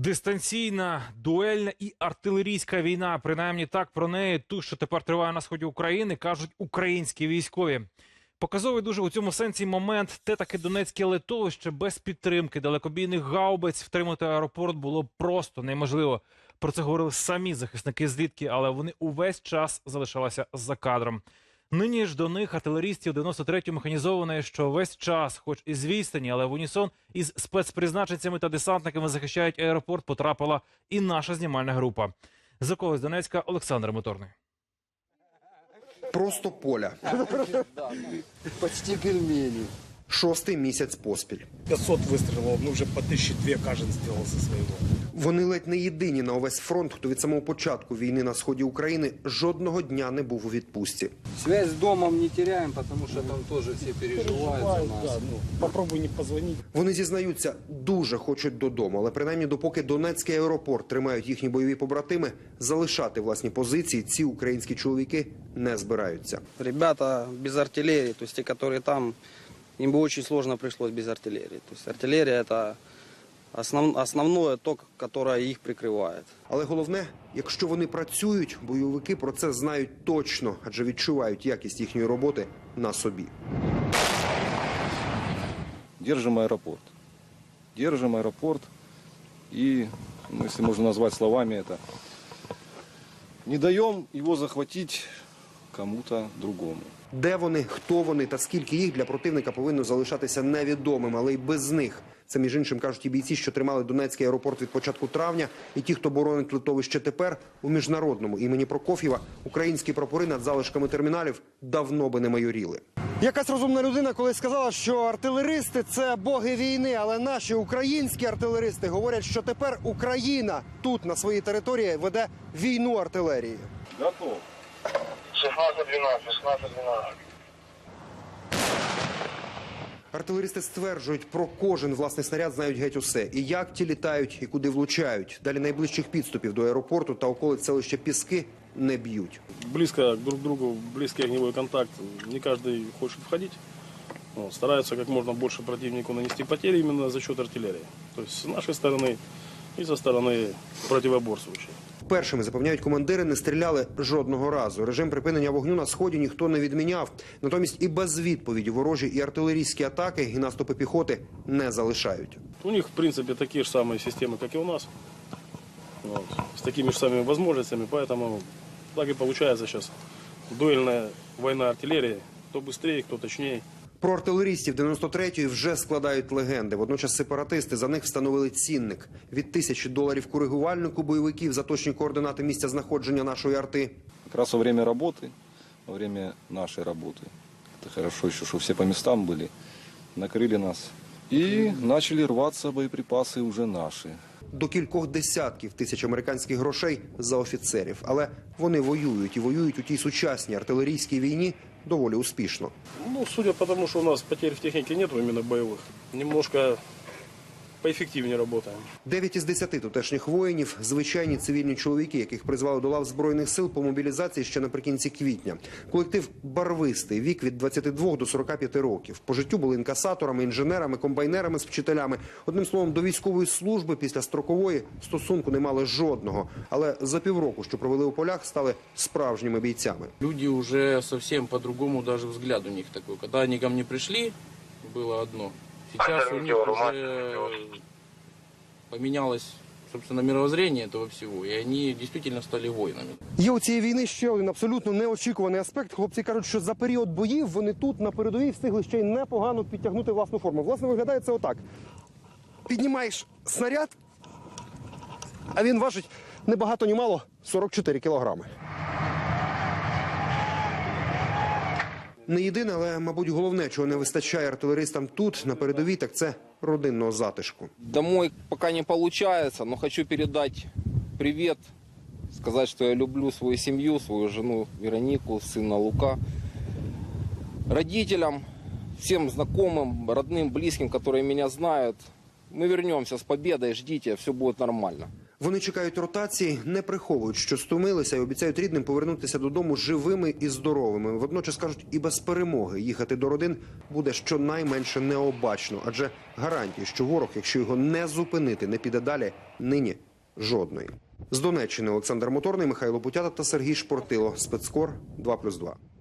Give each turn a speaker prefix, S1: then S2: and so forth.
S1: Дистанційна, дуельна і артилерійська війна. Принаймні так про неї, ту, що тепер триває на сході України, кажуть українські військові. Показовий дуже у цьому сенсі момент, те таке Донецьке литовище без підтримки далекобійних гаубиць втримати аеропорт було просто неможливо. Про це говорили самі захисники злітки, але вони увесь час залишалися за кадром. Нині ж до них артилерістів 93-ї механізованої, що весь час, хоч і з відстані, але в унісон із спецпризначенцями та десантниками захищають аеропорт, потрапила і наша знімальна група. З околиць Донецька Олександр Моторний.
S2: Просто поля.
S3: Почти пельмени.
S2: 6-й місяць поспіль.
S4: 500 вистрілів, ну вже по 1002 кожен зробив зі свого.
S2: Вони ледь не єдині на увесь фронт, хто від самого початку війни на сході України жодного дня не був у відпустці.
S3: Связь с домом не теряем, потому что там тоже все переживают за нас.
S4: Да, ну, попробуй не позвонить.
S2: Вони зізнаються, дуже хочуть додому, але принаймні допоки Донецький аеропорт тримають їхні бойові побратими, залишати власні позиції ці українські чоловіки не збираються.
S5: Ребята без артиллерии, то есть те, которые там, им бы очень сложно пришлось без артиллерии. То есть артиллерия – это основное то, которое их прикрывает.
S2: Але головне, якщо вони працюють, бойовики про це знають точно, адже відчувають якість їхньої роботи на собі.
S6: Держим аэропорт. Держим аэропорт. И, ну, если можно назвать словами это, не даем его захватить кому-то другому.
S2: Де вони, хто вони та скільки їх для противника повинно залишатися невідомим, але й без них. Це, між іншим, кажуть і бійці, що тримали Донецький аеропорт від початку травня, і ті, хто боронить литовище тепер, у міжнародному імені Прокоф'єва, українські прапори над залишками терміналів давно би не майоріли.
S7: Якась розумна людина колись сказала, що артилеристи – це боги війни, але наші українські артилеристи говорять, що тепер Україна тут, на своїй території, веде війну артилерії.
S6: Готов.
S8: 16-12, 16-12.
S2: Артилеристи стверджують, про кожен власний снаряд знають геть усе. І як ті літають, і куди влучають. Далі найближчих підступів до аеропорту та околиць селища Піски не б'ють.
S4: Близко друг к другу, близкий огневой контакт. Не каждый хочет входить. Вот, стараются как можно больше противнику нанести потери именно за счет артиллерии. То есть с нашей стороны и со стороны противоборствующих.
S2: Першими, запевняють командири, не стріляли жодного разу. Режим припинення вогню на сході ніхто не відміняв. Натомість і без відповіді ворожі і артилерійські атаки, і наступи піхоти не залишають.
S4: У них, в принципе, такие же самые системы, как и у нас. Вот, с такими же самыми возможностями, поэтому так и получается сейчас. Дуэльная война артиллерии. Кто быстрее, кто точнее.
S2: Про артилерістів 93-ї вже складають легенди. Водночас сепаратисти за них встановили цінник. Від $1000 коригувальнику бойовиків за точні координати місця знаходження нашої арти.
S6: Как раз во время работы, во время нашей работы, это хорошо еще, что все по местам были, накрыли нас. И начали рваться боеприпасы уже наши.
S2: До кількох десятків тисяч американських грошей за офіцерів. Але вони воюють і воюють у тій сучасній артилерійській війні доволі успішно.
S4: Ну, судя по тому, что у нас потерь в технике нет именно боевых, немножко поэффективнее работаем.
S2: 9 із 10 тутешніх воїнів – звичайні цивільні чоловіки, яких призвали до лав Збройних сил по мобілізації ще наприкінці квітня. Колектив барвистий, вік від 22 до 45 років. По життю були інкасаторами, інженерами, комбайнерами з вчителями. Одним словом, до військової служби після строкової стосунку не мали жодного. Але за півроку, що провели у полях, стали справжніми бійцями.
S9: Люди уже совсем по-другому, даже взгляд у них такой. Когда они ко мне пришли, было одно. Сейчас у них уже поменялось, собственно, мировоззрение этого всего, и они действительно стали воинами.
S7: Є у цієї війни ще один абсолютно неочікуваний аспект. Хлопці кажуть, що за період боїв вони тут, на передовій, встигли ще й непогано підтягнути власну форму. Власне, виглядає це отак. Піднімаєш снаряд, а він важить не багато, ні мало 44 кілограми.
S2: Не єдине, але, мабуть, головне, чого не вистачає артилеристам тут, на передовій, так це родинного затишку.
S5: Домой пока не получается, но хочу передать привет, сказать, что я люблю свою семью, свою жену Веронику, сына Лука, родителям, всем знакомым, родным, близким, которые меня знают. Мы вернемся с победой, ждите, все будет нормально.
S2: Вони чекають ротації, не приховують, що стомилися, і обіцяють рідним повернутися додому живими і здоровими. Водночас кажуть, і без перемоги їхати до родин буде щонайменше необачно, адже гарантії, що ворог, якщо його не зупинити, не піде далі, нині жодної. З Донеччини Олександр Моторний, Михайло Путята та Сергій Шпортило. Спецкор 2+2.